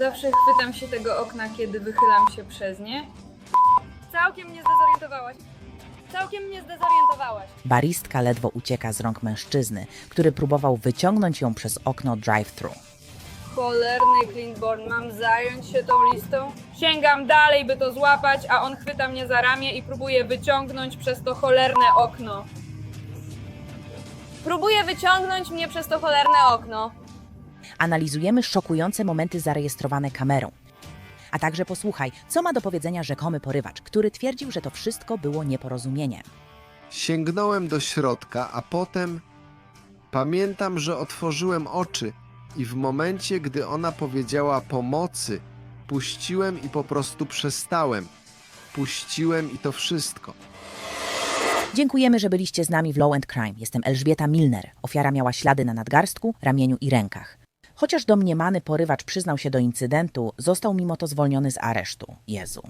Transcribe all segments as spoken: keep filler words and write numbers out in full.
Zawsze chwytam się tego okna, kiedy wychylam się przez nie. Całkiem mnie zdezorientowałaś. Całkiem mnie zdezorientowałaś. Baristka ledwo ucieka z rąk mężczyzny, który próbował wyciągnąć ją przez okno drive-thru. Cholerny Clintborn, mam zająć się tą listą? Sięgam dalej, by to złapać, a on chwyta mnie za ramię i próbuje wyciągnąć przez to cholerne okno. Próbuje wyciągnąć mnie przez to cholerne okno. Analizujemy szokujące momenty zarejestrowane kamerą. A także posłuchaj, co ma do powiedzenia rzekomy porywacz, który twierdził, że to wszystko było nieporozumieniem. Sięgnąłem do środka, a potem pamiętam, że otworzyłem oczy i w momencie, gdy ona powiedziała pomocy, puściłem i po prostu przestałem. Puściłem i to wszystko. Dziękujemy, że byliście z nami w Law and Crime. Jestem Elżbieta Milner. Ofiara miała ślady na nadgarstku, ramieniu i rękach. Chociaż domniemany porywacz przyznał się do incydentu, został mimo to zwolniony z aresztu. Jezu.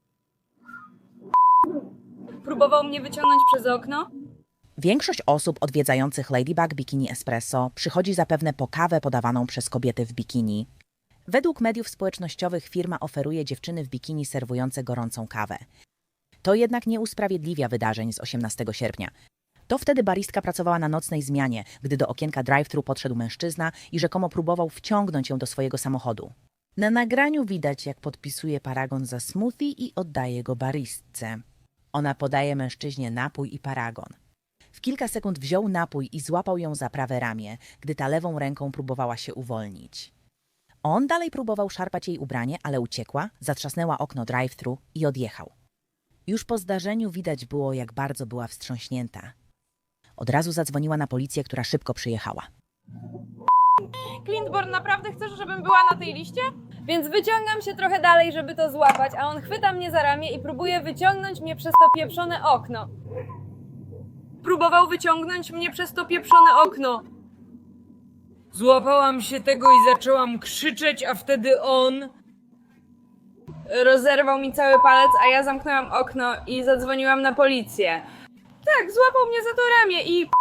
Próbował mnie wyciągnąć przez okno? Większość osób odwiedzających Ladybug Bikini Espresso przychodzi zapewne po kawę podawaną przez kobiety w bikini. Według mediów społecznościowych firma oferuje dziewczyny w bikini serwujące gorącą kawę. To jednak nie usprawiedliwia wydarzeń z osiemnastego sierpnia. To wtedy baristka pracowała na nocnej zmianie, gdy do okienka drive-thru podszedł mężczyzna i rzekomo próbował wciągnąć ją do swojego samochodu. Na nagraniu widać, jak podpisuje paragon za smoothie i oddaje go baristce. Ona podaje mężczyźnie napój i paragon. W kilka sekund wziął napój i złapał ją za prawe ramię, gdy ta lewą ręką próbowała się uwolnić. On dalej próbował szarpać jej ubranie, ale uciekła, zatrzasnęła okno drive-thru i odjechał. Już po zdarzeniu widać było, jak bardzo była wstrząśnięta. Od razu zadzwoniła na policję, która szybko przyjechała. Clintborn, naprawdę chcesz, żebym była na tej liście? Więc wyciągam się trochę dalej, żeby to złapać, a on chwyta mnie za ramię i próbuje wyciągnąć mnie przez to pieprzone okno. Próbował wyciągnąć mnie przez to pieprzone okno. Złapałam się tego i zaczęłam krzyczeć, a wtedy on rozerwał mi cały palec, a ja zamknęłam okno i zadzwoniłam na policję. Tak, złapał mnie za to ramię i...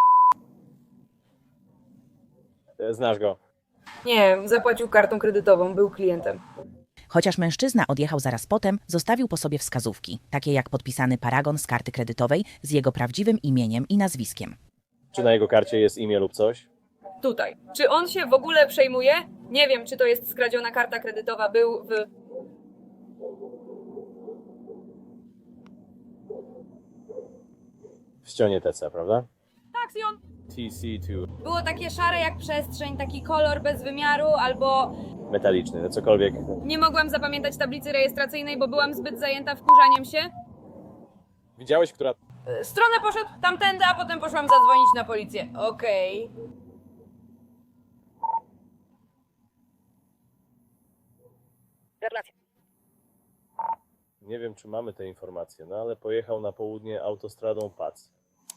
Znasz go. Nie, zapłacił kartą kredytową, był klientem. Chociaż mężczyzna odjechał zaraz potem, zostawił po sobie wskazówki, takie jak podpisany paragon z karty kredytowej z jego prawdziwym imieniem i nazwiskiem. Czy na jego karcie jest imię lub coś? Tutaj. Czy on się w ogóle przejmuje? Nie wiem, czy to jest skradziona karta kredytowa. Był w... W ścianie T C, prawda? Tak, i on... T C dwa. Było takie szare jak przestrzeń, taki kolor bez wymiaru, albo... Metaliczny, no cokolwiek. Nie mogłam zapamiętać tablicy rejestracyjnej, bo byłam zbyt zajęta wkurzaniem się. Widziałeś, która... E, Stronę poszedł tamtędy, a potem poszłam zadzwonić na policję. Okej. Gratulacje. Nie wiem, czy mamy te informacje, no ale pojechał na południe autostradą P A C.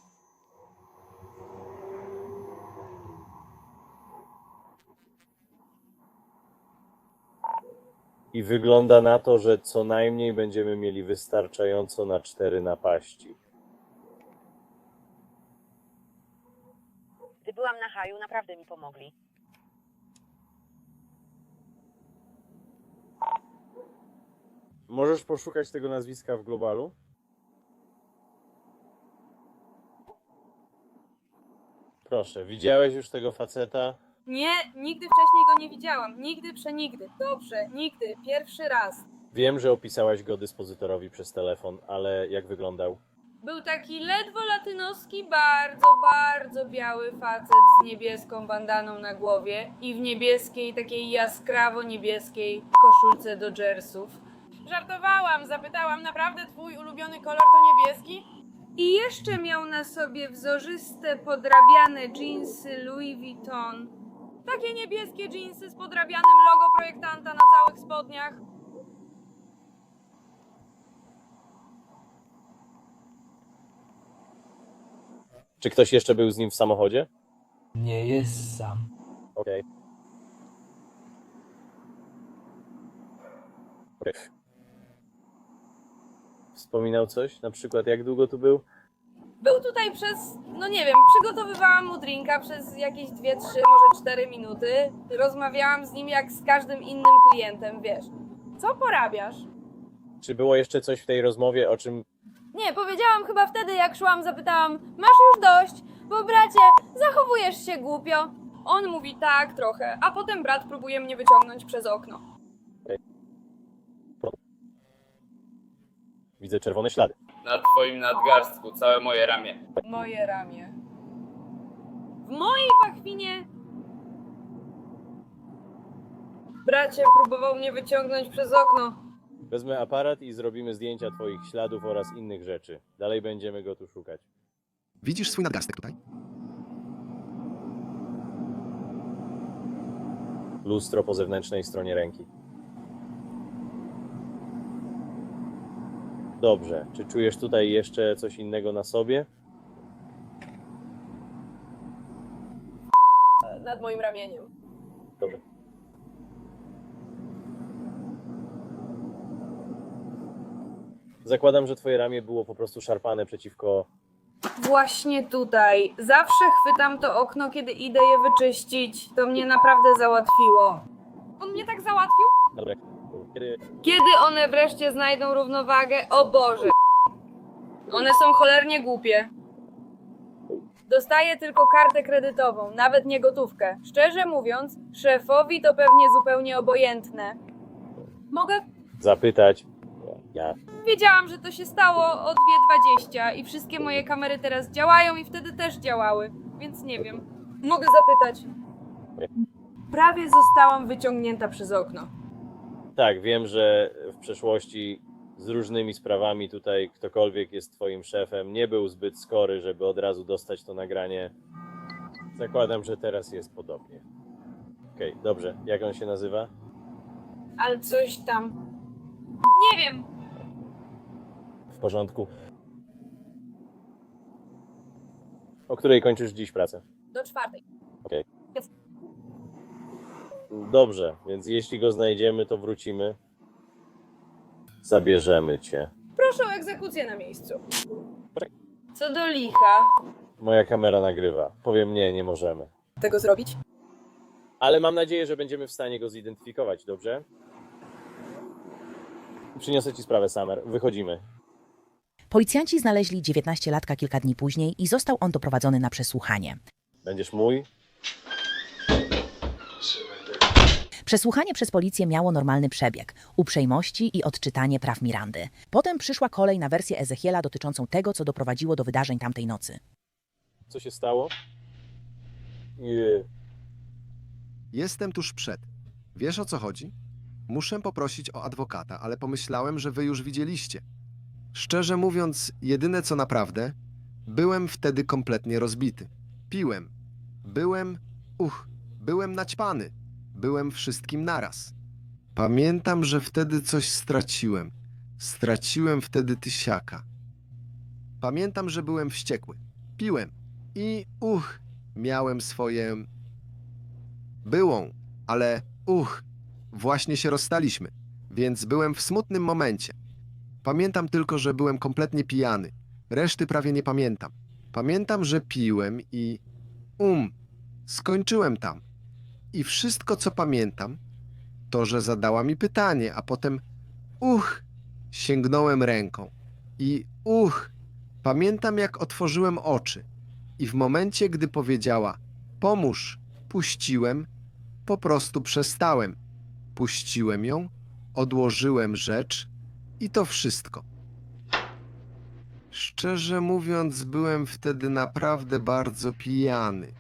I wygląda na to, że co najmniej będziemy mieli wystarczająco na cztery napaści. Gdy byłam na haju, naprawdę mi pomogli. Możesz poszukać tego nazwiska w globalu? Proszę, widziałeś już tego faceta? Nie, nigdy wcześniej go nie widziałam. Nigdy, przenigdy. Dobrze, nigdy. Pierwszy raz. Wiem, że opisałaś go dyspozytorowi przez telefon, ale jak wyglądał? Był taki ledwo latynoski, bardzo, bardzo biały facet z niebieską bandaną na głowie i w niebieskiej, takiej jaskrawo niebieskiej koszulce Dodgersów. Żartowałam, zapytałam, naprawdę twój ulubiony kolor to niebieski? I jeszcze miał na sobie wzorzyste, podrabiane dżinsy Louis Vuitton. Takie niebieskie dżinsy z podrabianym logo projektanta na całych spodniach. Czy ktoś jeszcze był z nim w samochodzie? Nie jest sam. Okej. Okay. Wspominał coś? Na przykład jak długo tu był? Był tutaj przez, no nie wiem, przygotowywałam mu drinka przez jakieś dwie, trzy, może cztery minuty. Rozmawiałam z nim jak z każdym innym klientem, wiesz. Co porabiasz? Czy było jeszcze coś w tej rozmowie, o czym Nie, powiedziałam chyba wtedy, jak szłam, zapytałam, masz już dość, bo bracie, zachowujesz się głupio. On mówi tak trochę, a potem brat próbuje mnie wyciągnąć przez okno. widzę czerwone ślady? Na twoim nadgarstku, całe moje ramię. Moje ramię. W mojej pachwinie... Bracie próbował mnie wyciągnąć przez okno. Wezmę aparat i zrobimy zdjęcia twoich śladów oraz innych rzeczy. Dalej będziemy go tu szukać. Widzisz swój nadgarstek tutaj? Lustro po zewnętrznej stronie ręki. Dobrze. Czy czujesz tutaj jeszcze coś innego na sobie? Nad moim ramieniem. Dobrze. Zakładam, że twoje ramię było po prostu szarpane przeciwko... Właśnie tutaj. Zawsze chwytam to okno, kiedy idę je wyczyścić. To mnie naprawdę załatwiło. On mnie tak załatwił? Dobra. Kiedy... Kiedy one wreszcie znajdą równowagę? O Boże! One są cholernie głupie. Dostaję tylko kartę kredytową, nawet nie gotówkę. Szczerze mówiąc, szefowi to pewnie zupełnie obojętne. Mogę? Zapytać... Ja... Wiedziałam, że to się stało o dwie dwadzieścia i wszystkie moje kamery teraz działają i wtedy też działały, więc nie wiem. Mogę zapytać. Prawie zostałam wyciągnięta przez okno. Tak, wiem, że w przeszłości z różnymi sprawami tutaj ktokolwiek jest twoim szefem nie był zbyt skory, żeby od razu dostać to nagranie. Zakładam, że teraz jest podobnie. Okej, okay, dobrze. Jak on się nazywa? Ale coś tam... Nie wiem. W porządku. O której kończysz dziś pracę? Do czwartej. Okej. Dobrze, więc jeśli go znajdziemy, to wrócimy. Zabierzemy cię. Proszę o egzekucję na miejscu. Co do licha... Moja kamera nagrywa. Powiem nie, nie możemy. Tego zrobić? Ale mam nadzieję, że będziemy w stanie go zidentyfikować, dobrze? Przyniosę ci sprawę, Summer. Wychodzimy. Policjanci znaleźli dziewiętnastolatka kilka dni później i został on doprowadzony na przesłuchanie. Będziesz mój? Przesłuchanie przez policję miało normalny przebieg, uprzejmości i odczytanie praw Mirandy. Potem przyszła kolej na wersję Ezechiela dotyczącą tego, co doprowadziło do wydarzeń tamtej nocy. Co się stało? Nie. Jestem tuż przed. Wiesz, o co chodzi? Muszę poprosić o adwokata, ale pomyślałem, że wy już widzieliście. Szczerze mówiąc, jedyne co naprawdę, byłem wtedy kompletnie rozbity. Piłem. Byłem, uch, byłem naćpany. Byłem wszystkim naraz. Pamiętam, że wtedy coś straciłem. Straciłem wtedy tysiaka. Pamiętam, że byłem wściekły. Piłem. I uch, miałem swoje... byłą, ale uch, właśnie się rozstaliśmy, więc byłem w smutnym momencie. Pamiętam tylko, że byłem kompletnie pijany. Reszty prawie nie pamiętam. Pamiętam, że piłem i... um, skończyłem tam. I wszystko, co pamiętam, to, że zadała mi pytanie, a potem uch, sięgnąłem ręką. I uch, pamiętam, jak otworzyłem oczy. I w momencie, gdy powiedziała pomóż, puściłem, po prostu przestałem. Puściłem ją, odłożyłem rzecz i to wszystko. Szczerze mówiąc, byłem wtedy naprawdę bardzo pijany.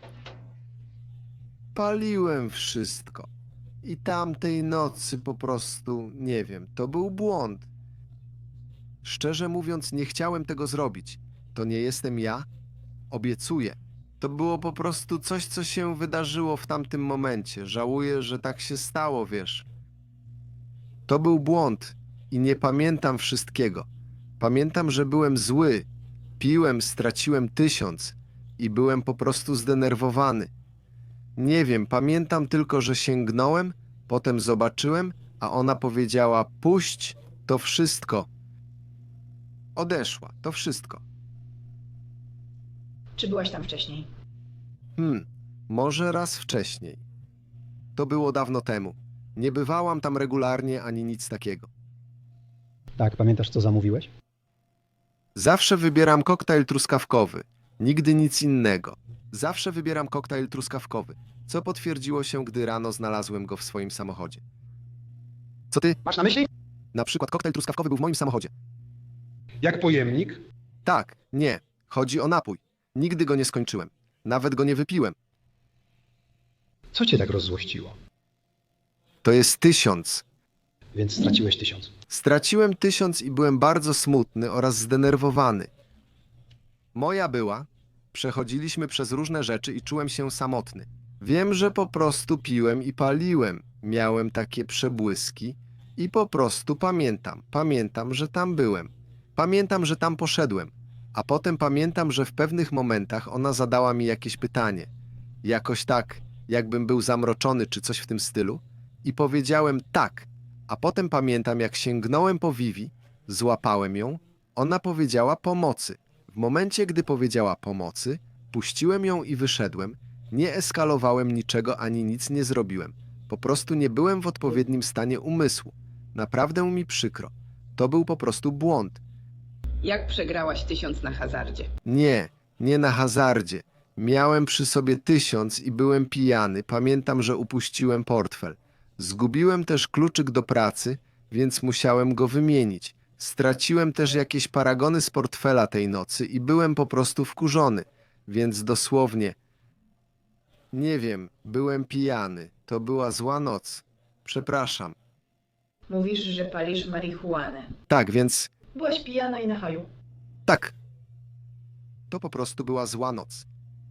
Paliłem wszystko. I tamtej nocy po prostu, nie wiem, to był błąd. Szczerze mówiąc, nie chciałem tego zrobić. To nie jestem ja. Obiecuję. To było po prostu coś, co się wydarzyło w tamtym momencie. Żałuję, że tak się stało, wiesz. To był błąd i nie pamiętam wszystkiego. Pamiętam, że byłem zły. Piłem, straciłem tysiąc i byłem po prostu zdenerwowany. Nie wiem, pamiętam tylko, że sięgnąłem, potem zobaczyłem, a ona powiedziała puść, to wszystko. Odeszła, to wszystko. Czy byłaś tam wcześniej? Hmm, może raz wcześniej. To było dawno temu. Nie bywałam tam regularnie ani nic takiego. Tak, pamiętasz co zamówiłeś? Zawsze wybieram koktajl truskawkowy. Nigdy nic innego. Zawsze wybieram koktajl truskawkowy, co potwierdziło się, gdy rano znalazłem go w swoim samochodzie. Co ty? Masz na myśli? Na przykład koktajl truskawkowy był w moim samochodzie. Jak pojemnik? Tak, nie. Chodzi o napój. Nigdy go nie skończyłem. Nawet go nie wypiłem. Co cię tak rozzłościło? To jest tysiąc. Więc straciłeś tysiąc. Straciłem tysiąc i byłem bardzo smutny oraz zdenerwowany. Moja była, przechodziliśmy przez różne rzeczy i czułem się samotny. Wiem, że po prostu piłem i paliłem. Miałem takie przebłyski i po prostu pamiętam. Pamiętam, że tam byłem. Pamiętam, że tam poszedłem. A potem pamiętam, że w pewnych momentach ona zadała mi jakieś pytanie. Jakoś tak, jakbym był zamroczony czy coś w tym stylu. I powiedziałem tak. A potem pamiętam, jak sięgnąłem po Vivi, złapałem ją, ona powiedziała pomocy. W momencie, gdy powiedziała pomocy, puściłem ją i wyszedłem. Nie eskalowałem niczego ani nic nie zrobiłem. Po prostu nie byłem w odpowiednim stanie umysłu. Naprawdę mi przykro. To był po prostu błąd. Jak przegrałaś tysiąc na hazardzie? Nie, nie na hazardzie. Miałem przy sobie tysiąc i byłem pijany. Pamiętam, że upuściłem portfel. Zgubiłem też kluczyk do pracy, więc musiałem go wymienić. Straciłem też jakieś paragony z portfela tej nocy i byłem po prostu wkurzony. Więc dosłownie, nie wiem, byłem pijany. To była zła noc. Przepraszam. Mówisz, że palisz marihuanę. Tak, więc Byłaś pijana i na haju. tak. To po prostu była zła noc.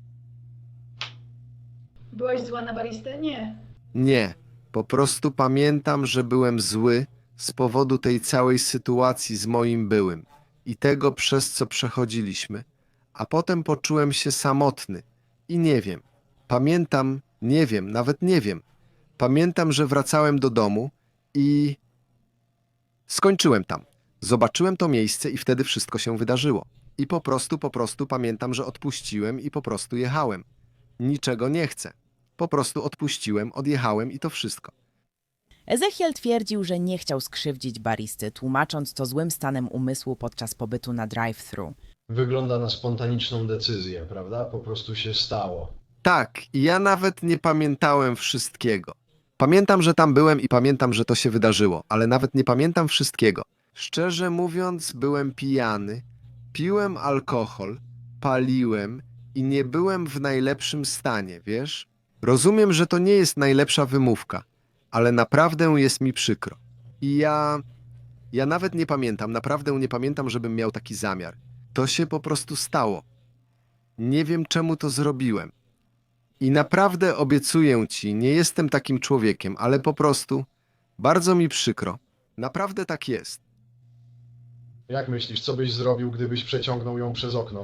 Byłaś zła na baristę? Nie. Nie, po prostu pamiętam, że byłem zły z powodu tej całej sytuacji z moim byłym i tego, przez co przechodziliśmy, a potem poczułem się samotny i nie wiem. Pamiętam, nie wiem, nawet nie wiem. Pamiętam, że wracałem do domu i skończyłem tam. Zobaczyłem to miejsce i wtedy wszystko się wydarzyło. I po prostu, po prostu pamiętam, że odpuściłem i po prostu jechałem. Niczego nie chcę. Po prostu odpuściłem, odjechałem i to wszystko. Ezechiel twierdził, że nie chciał skrzywdzić baristy, tłumacząc to złym stanem umysłu podczas pobytu na drive-thru. Wygląda na spontaniczną decyzję, prawda? Po prostu się stało. Tak, i ja nawet nie pamiętałem wszystkiego. Pamiętam, że tam byłem i pamiętam, że to się wydarzyło, ale nawet nie pamiętam wszystkiego. Szczerze mówiąc, byłem pijany, piłem alkohol, paliłem i nie byłem w najlepszym stanie, wiesz? Rozumiem, że to nie jest najlepsza wymówka, ale naprawdę jest mi przykro. I ja... ja nawet nie pamiętam, naprawdę nie pamiętam, żebym miał taki zamiar. To się po prostu stało. Nie wiem, czemu to zrobiłem. I naprawdę obiecuję ci, nie jestem takim człowiekiem, ale po prostu bardzo mi przykro. Naprawdę tak jest. Jak myślisz, co byś zrobił, gdybyś przeciągnął ją przez okno?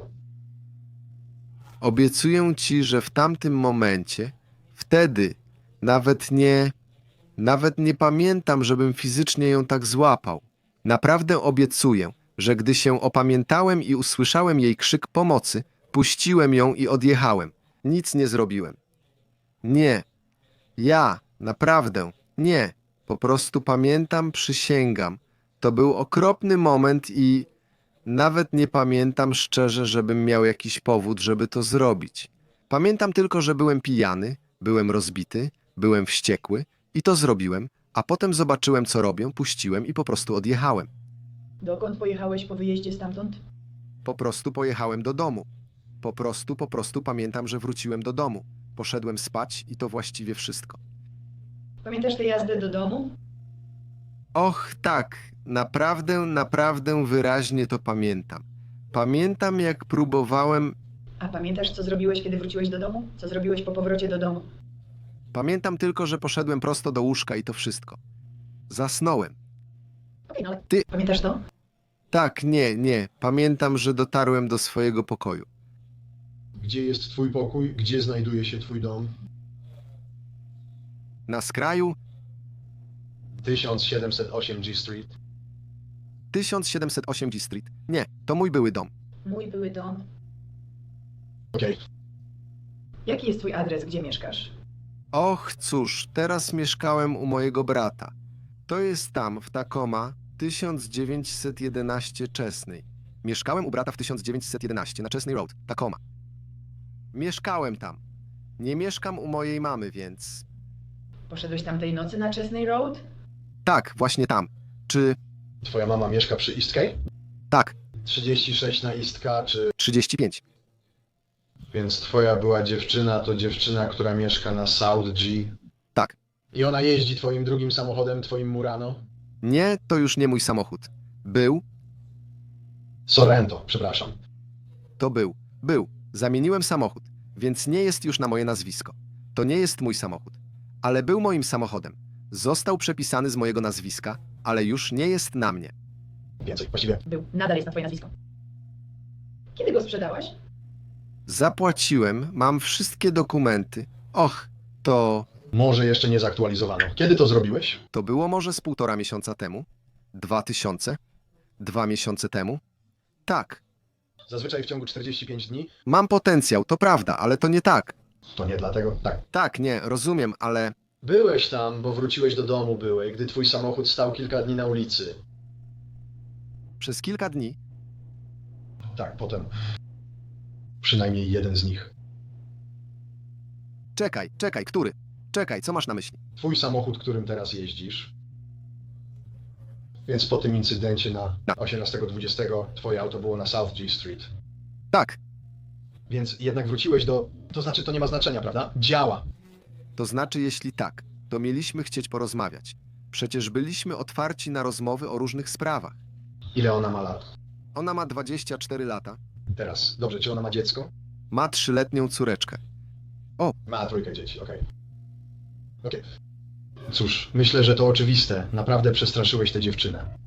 Obiecuję ci, że w tamtym momencie, wtedy nawet nie, nawet nie pamiętam, żebym fizycznie ją tak złapał. Naprawdę obiecuję, że gdy się opamiętałem i usłyszałem jej krzyk pomocy, puściłem ją i odjechałem. Nic nie zrobiłem. Nie. Ja, naprawdę, nie. Po prostu pamiętam, przysięgam. To był okropny moment i nawet nie pamiętam szczerze, żebym miał jakiś powód, żeby to zrobić. Pamiętam tylko, że byłem pijany, byłem rozbity, byłem wściekły i to zrobiłem, a potem zobaczyłem, co robią, puściłem i po prostu odjechałem. Dokąd pojechałeś po wyjeździe stamtąd? Po prostu pojechałem do domu. Po prostu, po prostu pamiętam, że wróciłem do domu. Poszedłem spać i to właściwie wszystko. Pamiętasz tę jazdę do domu? Och, tak, naprawdę, naprawdę wyraźnie to pamiętam. Pamiętam, jak próbowałem... A pamiętasz, co zrobiłeś, kiedy wróciłeś do domu? Co zrobiłeś po powrocie do domu? Pamiętam tylko, że poszedłem prosto do łóżka i to wszystko. Zasnąłem. Okej, no ale Ty- pamiętasz to? Tak, nie, nie. Pamiętam, że dotarłem do swojego pokoju. Gdzie jest twój pokój? Gdzie znajduje się twój dom? Na skraju tysiąc siedemset osiem G Street. tysiąc siedemset osiem G Street. Nie, to mój były dom. Mój były dom. Okej. Jaki jest twój adres, gdzie mieszkasz? Och, cóż, teraz mieszkałem u mojego brata. To jest tam, w Tacoma, tysiąc dziewięćset jedenaście Chesney. Mieszkałem u brata w tysiąc dziewięćset jedenaście na Chesney Road, Tacoma. Mieszkałem tam. Nie mieszkam u mojej mamy, więc... Poszedłeś tamtej nocy na Chesney Road? Tak, właśnie tam. Czy... Twoja mama mieszka przy East Key? Tak, trzydzieści sześć na East Key, czy... trzydzieści pięć. Więc twoja była dziewczyna to dziewczyna, która mieszka na South G. Tak. I ona jeździ twoim drugim samochodem, twoim Murano? Nie, to już nie mój samochód. Był, Sorrento, przepraszam. to był. Był. Zamieniłem samochód, więc nie jest już na moje nazwisko. To nie jest mój samochód. Ale był moim samochodem. Został przepisany z mojego nazwiska, ale już nie jest na mnie. Więcej, właściwie. Był. Nadal jest na twoje nazwisko. Kiedy go sprzedałaś? Zapłaciłem, mam wszystkie dokumenty. Och, to... Może jeszcze nie zaktualizowano. Kiedy to zrobiłeś? To było może z półtora miesiąca temu? Dwa tysiące? Dwa miesiące temu? Tak. Zazwyczaj w ciągu czterdziestu pięciu dni? Mam potencjał, to prawda, ale to nie tak. To nie dlatego? Tak. Tak, nie, rozumiem, ale... Byłeś tam, bo wróciłeś do domu byłej, gdy twój samochód stał kilka dni na ulicy. Przez kilka dni... Tak, potem. Przynajmniej jeden z nich. Czekaj, czekaj, który? Czekaj, co masz na myśli? Twój samochód, którym teraz jeździsz. Więc po tym incydencie na osiemnastego dwudziestego twoje auto było na South G Street. Tak, Więc jednak wróciłeś do... To znaczy, to nie ma znaczenia, prawda? Działa. to znaczy jeśli tak, to mieliśmy chcieć porozmawiać. Przecież byliśmy otwarci na rozmowy o różnych sprawach. Ile ona ma lat? Ona ma dwadzieścia cztery lata, Teraz. Dobrze, czy ona ma dziecko? ma trzyletnią córeczkę. Ma trójkę dzieci, okej. Okej. Cóż, myślę, że to oczywiste. Naprawdę przestraszyłeś tę dziewczynę.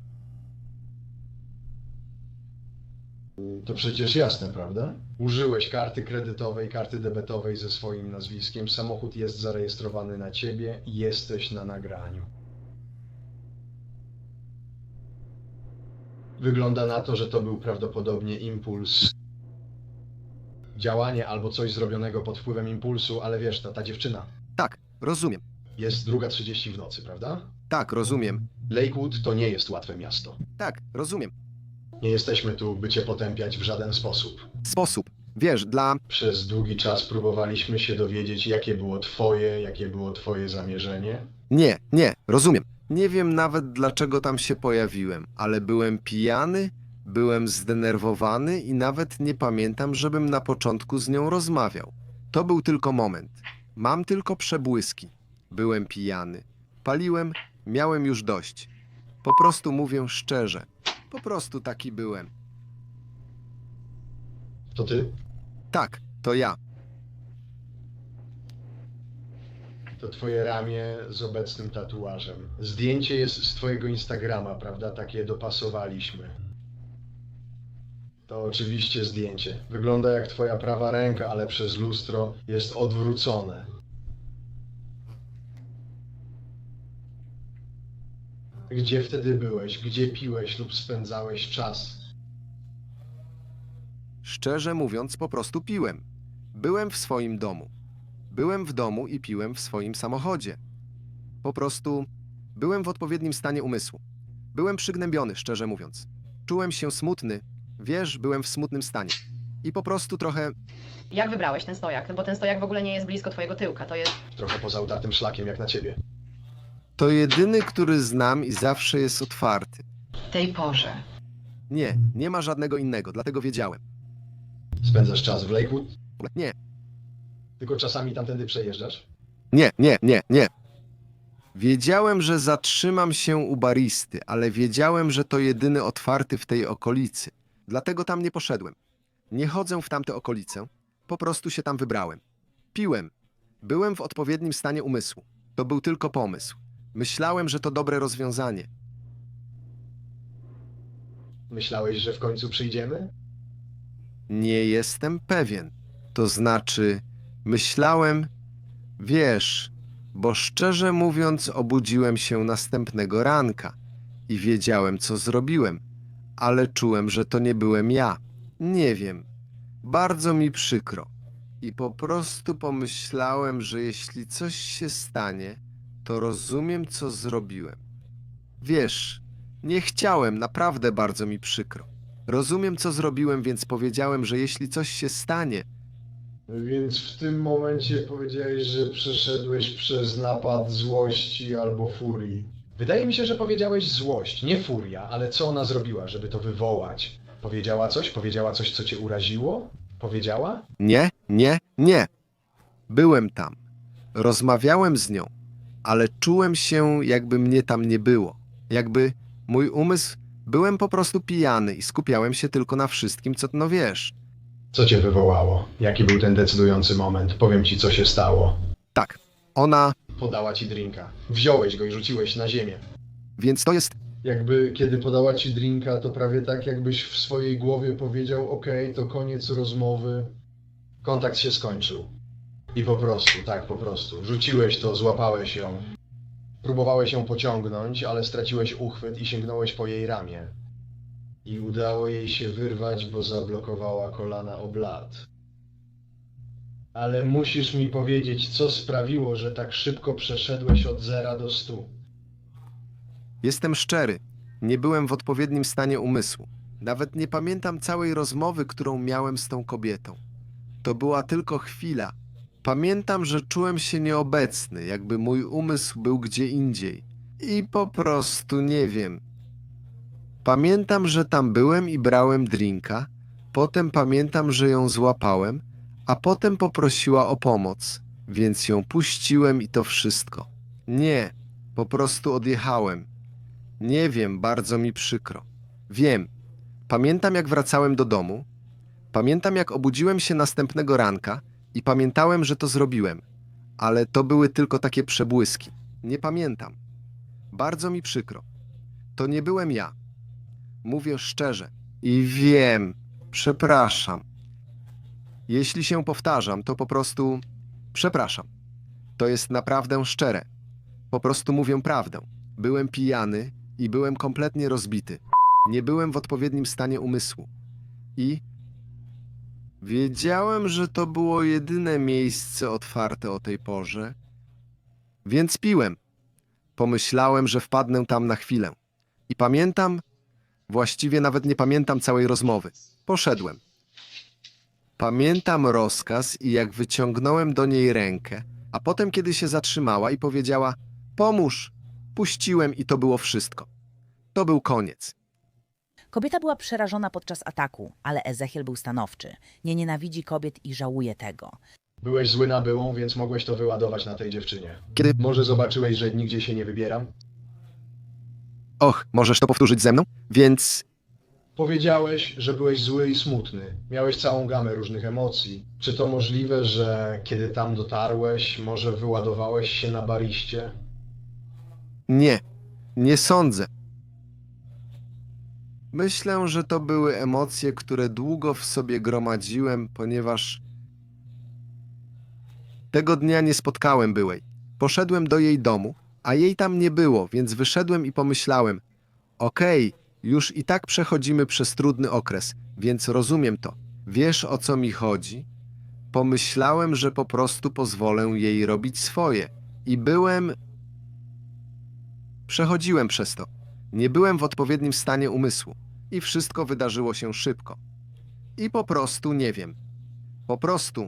To przecież jasne, prawda? Użyłeś karty kredytowej, karty debetowej ze swoim nazwiskiem. Samochód jest zarejestrowany na ciebie i jesteś na nagraniu. Wygląda na to, że to był prawdopodobnie impuls. Działanie albo coś zrobionego pod wpływem impulsu, ale wiesz, ta, ta dziewczyna. Tak, rozumiem. Jest druga trzydzieści w nocy, prawda? Tak, rozumiem. Lakewood to nie jest łatwe miasto. Tak, rozumiem. Nie jesteśmy tu, by cię potępiać w żaden sposób. Sposób. Wiesz, dla... Przez długi czas próbowaliśmy się dowiedzieć, jakie było twoje, jakie było twoje zamierzenie. Nie, nie, rozumiem. Nie wiem nawet dlaczego tam się pojawiłem, ale byłem pijany, byłem zdenerwowany i nawet nie pamiętam, żebym na początku z nią rozmawiał. To był tylko moment. Mam tylko przebłyski. Byłem pijany. Paliłem, miałem już dość. Po prostu mówię szczerze. Po prostu taki byłem. To ty? Tak, to ja. To twoje ramię z obecnym tatuażem. Zdjęcie jest z twojego Instagrama, prawda? Takie dopasowaliśmy. To oczywiście zdjęcie. Wygląda jak twoja prawa ręka, ale przez lustro jest odwrócone. Gdzie wtedy byłeś? Gdzie piłeś lub spędzałeś czas? Szczerze mówiąc, po prostu piłem. Byłem w swoim domu. Byłem w domu i piłem w swoim samochodzie. Po prostu byłem w odpowiednim stanie umysłu. Byłem przygnębiony, szczerze mówiąc. Czułem się smutny. Wiesz, byłem w smutnym stanie. I po prostu trochę... Jak wybrałeś ten stojak? No bo ten stojak w ogóle nie jest blisko twojego tyłka, to jest... Trochę poza utartym szlakiem, jak na ciebie. To jedyny, który znam i zawsze jest otwarty. W tej porze. Nie, nie ma żadnego innego, dlatego wiedziałem. Spędzasz czas w Lakewood? Nie, Tylko czasami tamtędy przejeżdżasz? nie, nie, nie, nie. Wiedziałem, że zatrzymam się u baristy, ale wiedziałem, że to jedyny otwarty w tej okolicy. Dlatego tam nie poszedłem. Nie chodzę w tamte okolice. Po prostu się tam wybrałem. Piłem. Byłem w odpowiednim stanie umysłu. To był tylko pomysł. Myślałem, że to dobre rozwiązanie. Myślałeś, że w końcu przyjdziemy? Nie jestem pewien. To znaczy, myślałem, wiesz, bo szczerze mówiąc obudziłem się następnego ranka i wiedziałem, co zrobiłem, ale czułem, że to nie byłem ja. Nie wiem. Bardzo mi przykro. I po prostu pomyślałem, że jeśli coś się stanie, to rozumiem, co zrobiłem. Wiesz, nie chciałem, naprawdę bardzo mi przykro. Rozumiem, co zrobiłem, więc powiedziałem, że jeśli coś się stanie, Więc w tym momencie powiedziałeś, że przeszedłeś przez napad złości albo furii. Wydaje mi się, że powiedziałeś złość, nie furia, ale co ona zrobiła, żeby to wywołać? Powiedziała coś? Powiedziała coś, co cię uraziło? Powiedziała? nie, nie, nie. Byłem tam. Rozmawiałem z nią, ale czułem się, jakby mnie tam nie było. Jakby mój umysł, byłem po prostu pijany i skupiałem się tylko na wszystkim, co no wiesz. Co cię wywołało? Jaki był ten decydujący moment? Powiem ci, co się stało. Tak, ona, Podała ci drinka. Wziąłeś go i rzuciłeś na ziemię. więc to jest, Jakby kiedy podała ci drinka, to prawie tak, jakbyś w swojej głowie powiedział: okej, to koniec rozmowy. Kontakt się skończył. I po prostu, tak po prostu. Rzuciłeś to, złapałeś ją. Próbowałeś ją pociągnąć, ale straciłeś uchwyt i sięgnąłeś po jej ramię. I udało jej się wyrwać, bo zablokowała kolana o blat. Ale musisz mi powiedzieć, co sprawiło, że tak szybko przeszedłeś od zera do stu. jestem szczery. Nie byłem w odpowiednim stanie umysłu. Nawet nie pamiętam całej rozmowy, którą miałem z tą kobietą. To była tylko chwila. Pamiętam, że czułem się nieobecny, jakby mój umysł był gdzie indziej. I po prostu nie wiem. Pamiętam, że tam byłem i brałem drinka. Potem pamiętam, że ją złapałem, a potem poprosiła o pomoc, więc ją puściłem i to wszystko. Nie, po prostu odjechałem. Nie wiem, bardzo mi przykro. Wiem. Pamiętam, jak wracałem do domu. Pamiętam, jak obudziłem się następnego ranka i pamiętałem, że to zrobiłem. Ale to były tylko takie przebłyski. Nie pamiętam. Bardzo mi przykro. To nie byłem ja. Mówię szczerze. I wiem. Przepraszam. Jeśli się powtarzam, to po prostu przepraszam. To jest naprawdę szczere. Po prostu mówię prawdę. Byłem pijany i byłem kompletnie rozbity. Nie byłem w odpowiednim stanie umysłu. I wiedziałem, że to było jedyne miejsce otwarte o tej porze, więc piłem. Pomyślałem, że wpadnę tam na chwilę. I pamiętam, właściwie nawet nie pamiętam całej rozmowy. Poszedłem. Pamiętam rozkaz i jak wyciągnąłem do niej rękę, a potem kiedy się zatrzymała i powiedziała: pomóż, puściłem i to było wszystko. To był koniec. Kobieta była przerażona podczas ataku, ale Ezechiel był stanowczy. Nie nienawidzi kobiet i żałuje tego. Byłeś zły na byłą, więc mogłeś to wyładować na tej dziewczynie. Kiedy... Może zobaczyłeś, że nigdzie się nie wybieram? Och, możesz to powtórzyć ze mną? Więc... Powiedziałeś, że byłeś zły i smutny. Miałeś całą gamę różnych emocji. Czy to możliwe, że kiedy tam dotarłeś, może wyładowałeś się na bariście? Nie, nie sądzę. Myślę, że to były emocje, które długo w sobie gromadziłem, ponieważ tego dnia nie spotkałem byłej. Poszedłem do jej domu, a jej tam nie było, więc wyszedłem i pomyślałem: okej, już i tak przechodzimy przez trudny okres, więc rozumiem to. Wiesz, o co mi chodzi? Pomyślałem, że po prostu pozwolę jej robić swoje. I byłem... Przechodziłem przez to. Nie byłem w odpowiednim stanie umysłu. I wszystko wydarzyło się szybko. I po prostu nie wiem. Po prostu...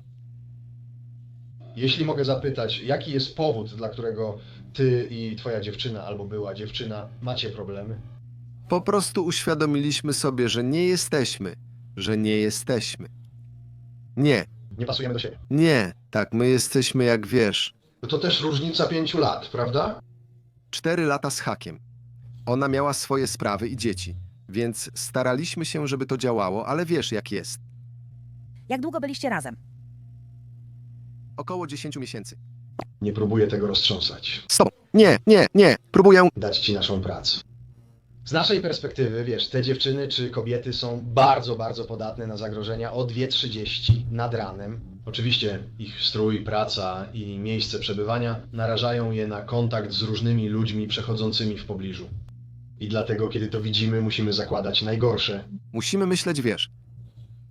Jeśli mogę zapytać, jaki jest powód, dla którego ty i twoja dziewczyna, albo była dziewczyna, macie problemy? Po prostu uświadomiliśmy sobie, że nie jesteśmy. Że nie jesteśmy. Nie, Nie pasujemy do siebie. nie. Tak, my jesteśmy jak wiesz. To też różnica pięciu lat, prawda? Cztery lata z hakiem. Ona miała swoje sprawy i dzieci, więc staraliśmy się, żeby to działało, ale wiesz jak jest. Jak długo byliście razem? Około dziesięciu miesięcy. Nie próbuję tego roztrząsać. Z tobą. Nie, nie, nie. Próbuję... Dać ci naszą pracę. Z naszej perspektywy, wiesz, te dziewczyny czy kobiety są bardzo, bardzo podatne na zagrożenia o dwie trzydzieści nad ranem. Oczywiście ich strój, praca i miejsce przebywania narażają je na kontakt z różnymi ludźmi przechodzącymi w pobliżu. I dlatego, kiedy to widzimy, musimy zakładać najgorsze. Musimy myśleć, wiesz.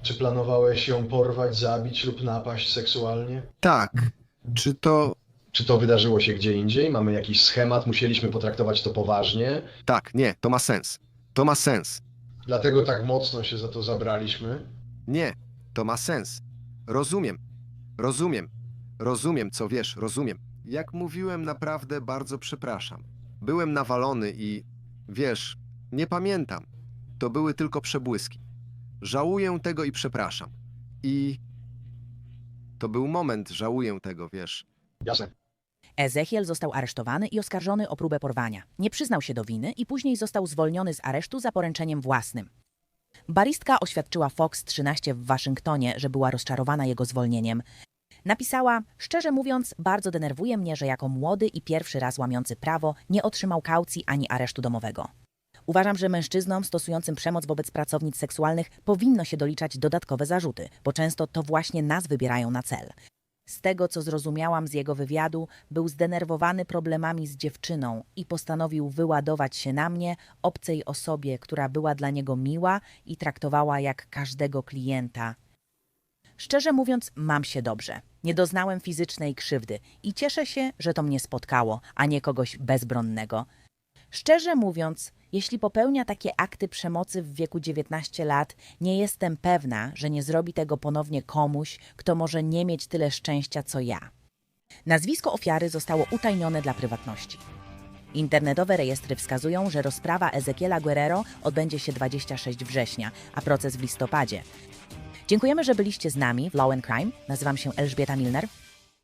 Czy planowałeś ją porwać, zabić lub napaść seksualnie? Tak. Czy to... Czy to wydarzyło się gdzie indziej? Mamy jakiś schemat? Musieliśmy potraktować to poważnie? Tak, nie, to ma sens. To ma sens. Dlatego tak mocno się za to zabraliśmy? Nie, to ma sens. Rozumiem. Rozumiem. Rozumiem, co wiesz, rozumiem. Jak mówiłem, naprawdę bardzo przepraszam. Byłem nawalony i... Wiesz, nie pamiętam. To były tylko przebłyski. Żałuję tego i przepraszam. I... To był moment, żałuję tego, wiesz. Jasne. Ezechiel został aresztowany i oskarżony o próbę porwania. Nie przyznał się do winy i później został zwolniony z aresztu za poręczeniem własnym. Baristka oświadczyła Fox trzynaście w Waszyngtonie, że była rozczarowana jego zwolnieniem. Napisała, szczerze mówiąc, bardzo denerwuje mnie, że jako młody i pierwszy raz łamiący prawo nie otrzymał kaucji ani aresztu domowego. Uważam, że mężczyznom stosującym przemoc wobec pracownic seksualnych powinno się doliczać dodatkowe zarzuty, bo często to właśnie nas wybierają na cel. Z tego, co zrozumiałam z jego wywiadu, był zdenerwowany problemami z dziewczyną i postanowił wyładować się na mnie, obcej osobie, która była dla niego miła i traktowała jak każdego klienta. Szczerze mówiąc, mam się dobrze. Nie doznałem fizycznej krzywdy i cieszę się, że to mnie spotkało, a nie kogoś bezbronnego. Szczerze mówiąc, jeśli popełnia takie akty przemocy w wieku dziewiętnastu lat, nie jestem pewna, że nie zrobi tego ponownie komuś, kto może nie mieć tyle szczęścia co ja. Nazwisko ofiary zostało utajnione dla prywatności. Internetowe rejestry wskazują, że rozprawa Ezekiela Guerrero odbędzie się dwudziestego szóstego września, a proces w listopadzie. Dziękujemy, że byliście z nami w Law and Crime. Nazywam się Elżbieta Milner.